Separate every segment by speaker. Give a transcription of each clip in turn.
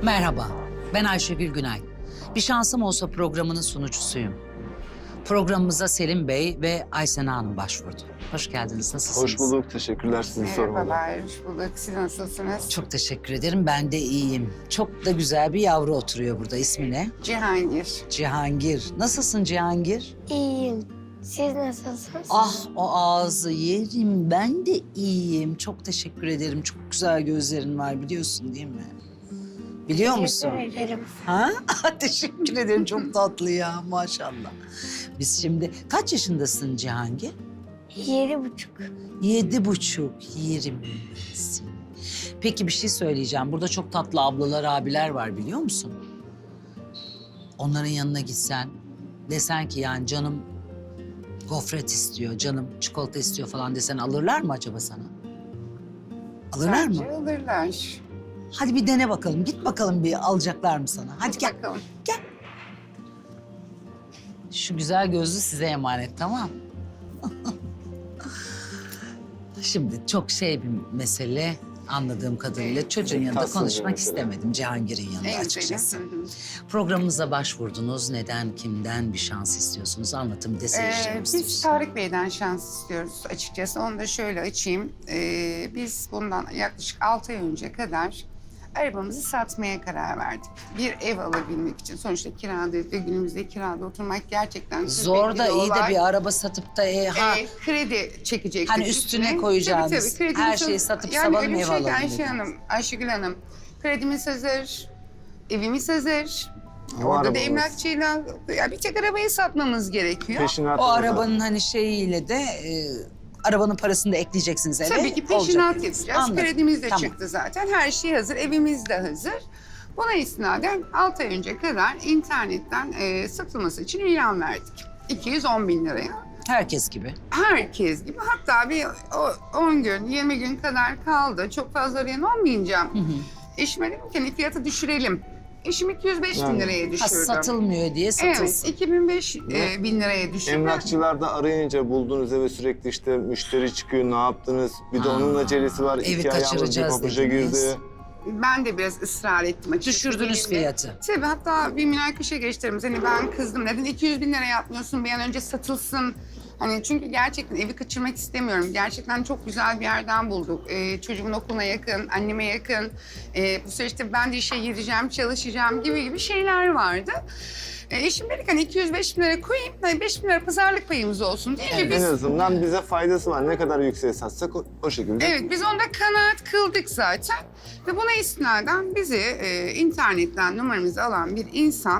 Speaker 1: Merhaba, ben Ayşegül Günay. Bir şansım olsa programının sunucusuyum. Programımıza Selim Bey ve Aysena Hanım başvurdu. Hoş geldiniz, nasılsınız?
Speaker 2: Hoş bulduk, teşekkürler sizi sormalı.
Speaker 3: Merhabalar, hoş bulduk. Siz nasılsınız?
Speaker 1: Çok teşekkür ederim, ben de iyiyim. Çok da güzel bir yavru oturuyor burada. İsmi ne?
Speaker 3: Cihangir.
Speaker 1: Cihangir. Nasılsın Cihangir?
Speaker 4: İyiyim. Siz nasılsınız?
Speaker 1: Ah, o ağzı yerim. Ben de iyiyim. Çok teşekkür ederim. Çok güzel gözlerin var, biliyorsun değil mi? Biliyor musun?
Speaker 4: Teşekkür ederim.
Speaker 1: Ha? Teşekkür ederim. Çok tatlı ya, maşallah. Biz şimdi... Kaç yaşındasın Cihangir?
Speaker 4: 7,5.
Speaker 1: 7,5, yerim seni. Peki bir şey söyleyeceğim. Burada çok tatlı ablalar, abiler var, biliyor musun? Onların yanına gitsen, desen ki yani canım gofret istiyor, canım çikolata istiyor falan desen, alırlar mı acaba sana? Alırlar mı?
Speaker 3: Bence alırlar.
Speaker 1: Hadi bir dene bakalım. Git bakalım, bir alacaklar mı sana? Hadi gel.
Speaker 3: Bakalım.
Speaker 1: Gel. Şu güzel gözlü size emanet, tamam? Şimdi çok şey bir mesele, anladığım kadarıyla. Çocuğun yanında
Speaker 2: Tatsız bir
Speaker 1: konuşmak
Speaker 2: mesele.
Speaker 1: istemedim, Cihangir'in yanında
Speaker 3: En
Speaker 1: açıkçası.
Speaker 3: güzeli. Hı hı.
Speaker 1: Programımıza başvurdunuz. Neden, kimden bir şans istiyorsunuz? Anlatın, bir de seyircilerimiz
Speaker 3: Biz
Speaker 1: duysun.
Speaker 3: Tarık Bey'den şans istiyoruz açıkçası. Onu da şöyle açayım. Biz bundan yaklaşık 6 ay önce kadar arabamızı satmaya karar verdik. Bir ev alabilmek için. Sonuçta kirada ve günümüzde kirada oturmak gerçekten
Speaker 1: Zor da
Speaker 3: külfetli
Speaker 1: iyi de
Speaker 3: olay.
Speaker 1: bir araba satıp da
Speaker 3: Kredi çekecektik.
Speaker 1: Hani üstüne koyacağınız,
Speaker 3: Tabii, kredimiz
Speaker 1: her şeyi
Speaker 3: hazır.
Speaker 1: satıp
Speaker 3: yani
Speaker 1: salalım,
Speaker 3: öyle bir
Speaker 1: ev
Speaker 3: şey ki
Speaker 1: alalım
Speaker 3: Ayşe
Speaker 1: dediniz.
Speaker 3: Hanım, Ayşegül Hanım. Kredimiz hazır, evimiz hazır.
Speaker 2: O
Speaker 3: Orada da
Speaker 2: arabamız.
Speaker 3: emlakçıyla ya bir tek arabayı satmamız gerekiyor.
Speaker 2: Peşinat
Speaker 1: O
Speaker 2: alacağız.
Speaker 1: arabanın hani şeyiyle de arabanın parasını da ekleyeceksiniz eve.
Speaker 3: Tabii ki
Speaker 1: olacak
Speaker 3: peşinat
Speaker 1: dediniz.
Speaker 3: yapacağız.
Speaker 1: Anladım.
Speaker 3: Kredimiz de
Speaker 1: Tamam.
Speaker 3: çıktı zaten. Her şey hazır, evimiz de hazır. Buna istinaden 6 ay önce kadar internetten satılması için ilan verdik. 210 bin liraya.
Speaker 1: Herkes gibi.
Speaker 3: Herkes gibi. Hatta bir 10 gün, 20 gün kadar kaldı. Çok fazla arayan olmayınca eşime dedim ki hani fiyatı düşürelim. Eşim 205 bin
Speaker 2: Yani.
Speaker 3: liraya
Speaker 1: Ha,
Speaker 3: düşürdü.
Speaker 1: satılmıyor diye
Speaker 3: Evet,
Speaker 1: satılsın.
Speaker 3: 2005 bin liraya düşürdü.
Speaker 2: Emlakçılarda arayınca bulduğunuz eve sürekli işte müşteri çıkıyor, ne yaptınız? Bir de onun acelesi var.
Speaker 1: evi
Speaker 2: 2 ayağımız bir
Speaker 1: kaçıracağız
Speaker 2: pabuca
Speaker 1: dediniz.
Speaker 2: girdi.
Speaker 3: Ben de biraz ısrar ettim açıkçası.
Speaker 1: Düşürdünüz
Speaker 3: Benimle-
Speaker 1: fiyatı.
Speaker 3: Tabii hatta bir münakaşa geçtiğimiz hani ben kızdım. Neden 200 bin lira yapmıyorsun bir an önce satılsın. Hani çünkü gerçekten evi kaçırmak istemiyorum. Gerçekten çok güzel bir yerden bulduk. Çocuğumun okuluna yakın, anneme yakın. Bu süreçte ben de işe gireceğim, çalışacağım gibi şeyler vardı. Eşim dedi ki hani 205 bin lira koyayım, hani 5 bin lira pazarlık payımız olsun değil mi?
Speaker 1: Evet.
Speaker 2: En
Speaker 3: Biz,
Speaker 2: azından bize faydası var. Ne kadar yükseğe satsak o şekilde.
Speaker 3: evet, biz onda kanaat kıldık zaten. Ve buna istinaden bizi internetten numaramızı alan bir insan,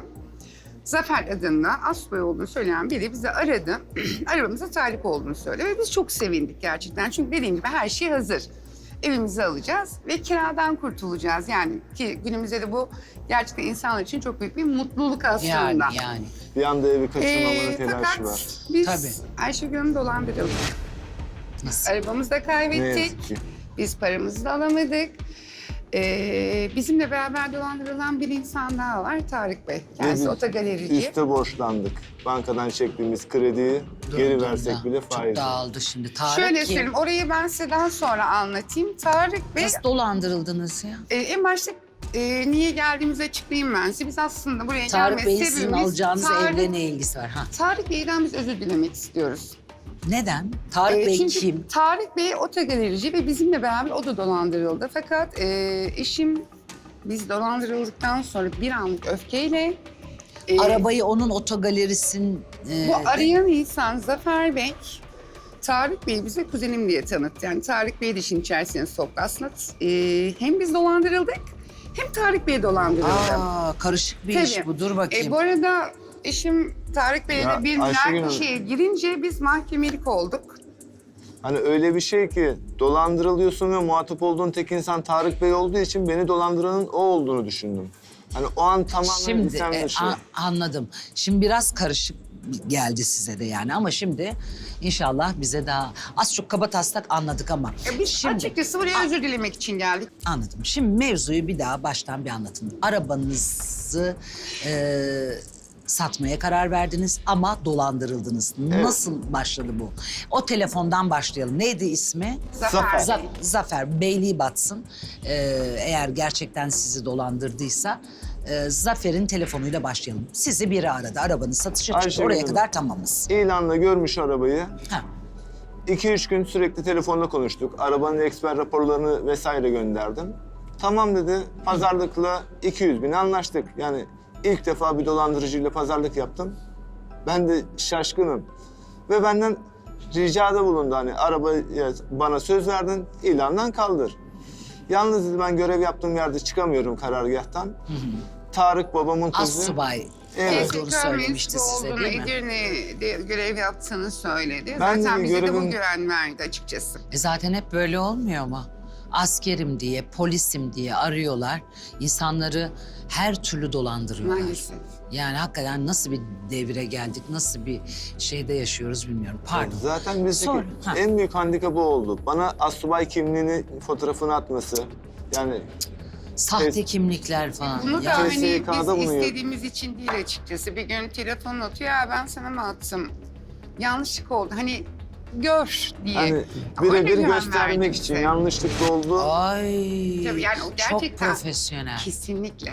Speaker 3: Zafer adında Asbay olduğunu söyleyen biri bizi aradı. Arabamıza talip olduğunu söyledi ve biz çok sevindik gerçekten. Çünkü dediğim gibi her şey hazır. Evimizi alacağız ve kiradan kurtulacağız. Yani ki günümüzde de bu gerçekten insanlar için çok büyük bir mutluluk aslında.
Speaker 1: Yani.
Speaker 2: Bir anda evi kaçırmamanın telaşı
Speaker 3: fakat
Speaker 2: var.
Speaker 3: biz
Speaker 1: Tabii.
Speaker 3: Ayşegül Hanım'ı dolandırıldık.
Speaker 1: Nasıl?
Speaker 3: Arabamızı da
Speaker 2: Ne
Speaker 3: kaybettik.
Speaker 2: yazık ki.
Speaker 3: Biz paramızı da alamadık. Bizimle beraber dolandırılan bir insan daha var, Tarık Bey. Kendisi
Speaker 2: Biz
Speaker 3: otogalerici.
Speaker 2: Üste borçlandık. Bankadan çektiğimiz krediyi geri versek bile
Speaker 1: Çok
Speaker 2: faiz.
Speaker 1: dağıldı şimdi. Tarık
Speaker 3: Şöyle
Speaker 1: kim?
Speaker 3: söyleyeyim, orayı ben size daha sonra anlatayım. Tarık Bey,
Speaker 1: Nasıl dolandırıldınız ya?
Speaker 3: en başta niye geldiğimizi açıklayayım ben size. Biz aslında buraya
Speaker 1: Tarık
Speaker 3: gelme
Speaker 1: Bey'in sizin
Speaker 3: sebebimiz...
Speaker 1: alacağınız
Speaker 3: Tarık-
Speaker 1: evle ne ilgisi var? Ha.
Speaker 3: Tarık Bey'den biz özür dilemek istiyoruz.
Speaker 1: Neden? Tarık Bey
Speaker 3: Çünkü
Speaker 1: kim?
Speaker 3: Tarık Bey otogalerici ve bizimle beraber o da dolandırıldı. Fakat eşim biz dolandırıldıktan sonra bir anlık öfkeyle...
Speaker 1: Arabayı onun otogalerisinin...
Speaker 3: Bu arayan insan Zafer Bey, Tarık Bey bize kuzenim diye tanıttı. Yani Tarık Bey'i de işin içerisine soktu. Aslında hem biz dolandırıldık hem Tarık Bey dolandırıldı.
Speaker 1: Karışık bir
Speaker 3: Tabii.
Speaker 1: iş bu. Dur bakayım.
Speaker 3: Bu arada eşim Tarık Bey'le
Speaker 2: Ya,
Speaker 3: bir
Speaker 2: Ayşegül
Speaker 3: münakaşaya girince biz mahkemelik olduk.
Speaker 2: Hani öyle bir şey ki dolandırılıyorsun ve muhatap olduğun tek insan Tarık Bey olduğu için beni dolandıranın o olduğunu düşündüm. Hani o an tamamen
Speaker 1: Şimdi
Speaker 2: istem dışı.
Speaker 1: anladım. Şimdi biraz karışık geldi size de yani ama şimdi inşallah bize daha az çok kabataslak anladık ama.
Speaker 3: Biz
Speaker 1: şimdi
Speaker 3: açıkçası buraya özür dilemek için geldik.
Speaker 1: anladım. Şimdi mevzuyu bir daha baştan bir anlatın. Arabanızı Satmaya karar verdiniz ama dolandırıldınız. Nasıl başladı bu? O telefondan başlayalım. Neydi ismi?
Speaker 3: Zafer.
Speaker 1: Zafer. Beyliği batsın. Eğer gerçekten sizi dolandırdıysa Zafer'in telefonuyla başlayalım. Sizi biri aradı. Arabanız satışa çıktı.
Speaker 2: Ayşegül
Speaker 1: Oraya
Speaker 2: Hanım.
Speaker 1: kadar tamamız.
Speaker 2: İlanla görmüş arabayı.
Speaker 1: Ha.
Speaker 2: 2-3 gün sürekli telefonla konuştuk. Arabanın eksper raporlarını vesaire gönderdim. Tamam dedi, pazarlıkla 200.000 anlaştık. Yani ilk defa bir dolandırıcıyla pazarlık yaptım. Ben de şaşkınım. Ve benden ricada bulundu, hani arabayı bana söz verdin, ilandan kaldır. Yalnız dedi, ben görev yaptığım yerde çıkamıyorum karargâhtan. Tarık babamın kızı.
Speaker 1: Assubay.
Speaker 2: Evet.
Speaker 1: Doğru söylemişti size
Speaker 3: olduğunu,
Speaker 1: değil mi?
Speaker 3: Edirne'de görev yaptığını söyledi.
Speaker 2: Ben
Speaker 3: Zaten bize de bu
Speaker 2: görevim-
Speaker 3: güven verdi açıkçası.
Speaker 1: Zaten hep böyle olmuyor mu? Askerim diye, polisim diye arıyorlar. İnsanları her türlü dolandırıyorlar.
Speaker 3: Maalesef.
Speaker 1: Yani hakikaten nasıl bir devire geldik, nasıl bir şeyde yaşıyoruz bilmiyorum. Pardon.
Speaker 2: Zaten bizdeki
Speaker 1: Sonra, ha.
Speaker 2: en büyük handikapı oldu. Bana assubay kimliğini, fotoğrafını atması. Yani
Speaker 1: Sahte kimlikler falan.
Speaker 3: Bunu da
Speaker 1: Ya,
Speaker 3: hani
Speaker 2: TSK'da
Speaker 3: biz
Speaker 2: bunu yok.
Speaker 3: istediğimiz için değil açıkçası. Bir gün telefon atıyor, ya ben sana mı attım? Yanlışlık oldu. Hani gör diye.
Speaker 2: hani
Speaker 3: Ama öyle
Speaker 2: birebir
Speaker 3: güven
Speaker 2: göstermek
Speaker 3: verdi
Speaker 2: için
Speaker 3: bize.
Speaker 2: yanlışlıkla oldu.
Speaker 1: Ay,
Speaker 3: Tabii yani o
Speaker 1: çok
Speaker 3: gerçekten-
Speaker 1: profesyonel.
Speaker 3: Kesinlikle.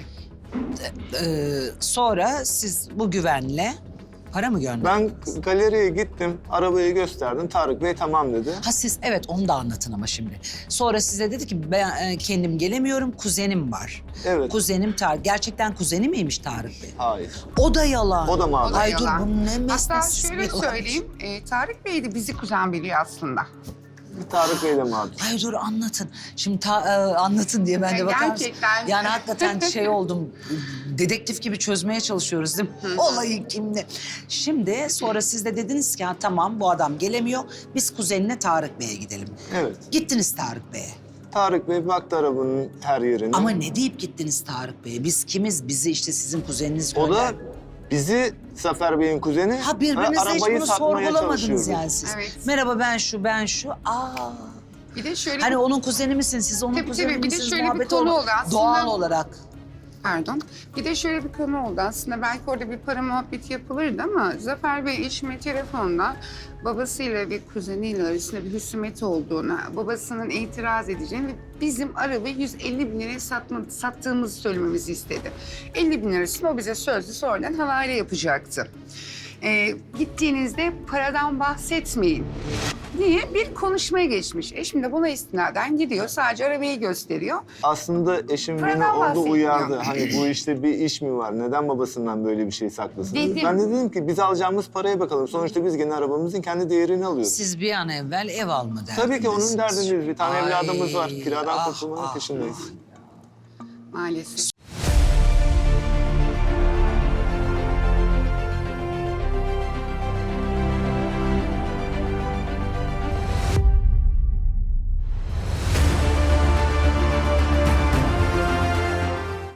Speaker 1: Sonra siz bu güvenle para mı gönderdiniz?
Speaker 2: Ben galeriye gittim, arabayı gösterdim. Tarık Bey tamam dedi.
Speaker 1: Ha siz evet onu da anlatın ama şimdi. Sonra size dedi ki ben kendim gelemiyorum, kuzenim var.
Speaker 2: Evet.
Speaker 1: Kuzenim Tarık. Gerçekten kuzeni miymiş Tarık Bey?
Speaker 2: Hayır.
Speaker 1: O da yalan.
Speaker 2: O da mağdur.
Speaker 3: O da
Speaker 1: Ay
Speaker 3: yalan.
Speaker 1: dur bu ne
Speaker 3: Hatta
Speaker 1: mesnetsiz
Speaker 3: şöyle
Speaker 1: bir yalan.
Speaker 3: söyleyeyim, Tarık Bey de bizi kuzen biliyor aslında.
Speaker 2: Tarık Bey de mağdur.
Speaker 1: Ay dur anlatın. Şimdi anlatın diye ben de bakar mısın?
Speaker 3: Gerçekten.
Speaker 1: Yani hakikaten şey oldum. Dedektif gibi çözmeye çalışıyoruz değil mi? Olayı kimle? Şimdi sonra siz de dediniz ki ha, tamam bu adam gelemiyor. Biz kuzenine Tarık Bey'e gidelim.
Speaker 2: Evet.
Speaker 1: Gittiniz Tarık Bey'e.
Speaker 2: Tarık Bey baktı arabanın her yerine.
Speaker 1: Ama ne deyip gittiniz Tarık Bey'e? Biz kimiz? Bizi işte sizin kuzeniniz
Speaker 2: O da
Speaker 1: gönder.
Speaker 2: bizi Zafer Bey'in kuzeni
Speaker 1: Ha
Speaker 2: ve
Speaker 1: birbirinize hiç
Speaker 2: arabayı
Speaker 1: bunu
Speaker 2: satmaya
Speaker 1: sorgulamadınız
Speaker 2: çalışıyordu.
Speaker 1: yani siz.
Speaker 3: Evet.
Speaker 1: Merhaba ben şu. Aa.
Speaker 3: Bir de şöyle
Speaker 1: Hani onun kuzeni misiniz? Siz onun
Speaker 3: Tabii,
Speaker 1: kuzeni
Speaker 3: tabii. Bir de
Speaker 1: misiniz?
Speaker 3: şöyle bir
Speaker 1: Muhabbet
Speaker 3: konu
Speaker 1: oldu.
Speaker 3: oldu aslında.
Speaker 1: Doğal olarak.
Speaker 3: Pardon. Bir de şöyle bir konu oldu. Aslında belki orada bir para muhabbeti yapılırdı ama Zafer Bey eşime telefonda babasıyla ve kuzeniyle arasında bir husumet olduğunu, babasının itiraz edeceğini ve bizim arabayı 150 bin liraya sattığımızı söylememizi istedi. 50 bin lirasını o bize sözlü sonradan havale yapacaktı. Gittiğinizde paradan bahsetmeyin diye bir konuşmaya geçmiş. Eşim de buna istinaden gidiyor. Sadece arabayı gösteriyor.
Speaker 2: Aslında eşim beni
Speaker 3: Paradan
Speaker 2: orada
Speaker 3: bahsetmiyor.
Speaker 2: uyardı. Hani bu işte bir iş mi var? Neden babasından böyle bir şey saklasın?
Speaker 3: Dedim.
Speaker 2: Ben de dedim ki biz alacağımız paraya bakalım. Sonuçta biz gene arabamızın kendi değerini alıyoruz.
Speaker 1: Siz bir an evvel ev alma derdindesiniz.
Speaker 2: Tabii ki onun derdindeyiz. Bir tane
Speaker 1: Ay,
Speaker 2: evladımız var. Kiradan kurtulmanın
Speaker 1: ah.
Speaker 2: peşindeyiz.
Speaker 3: Maalesef.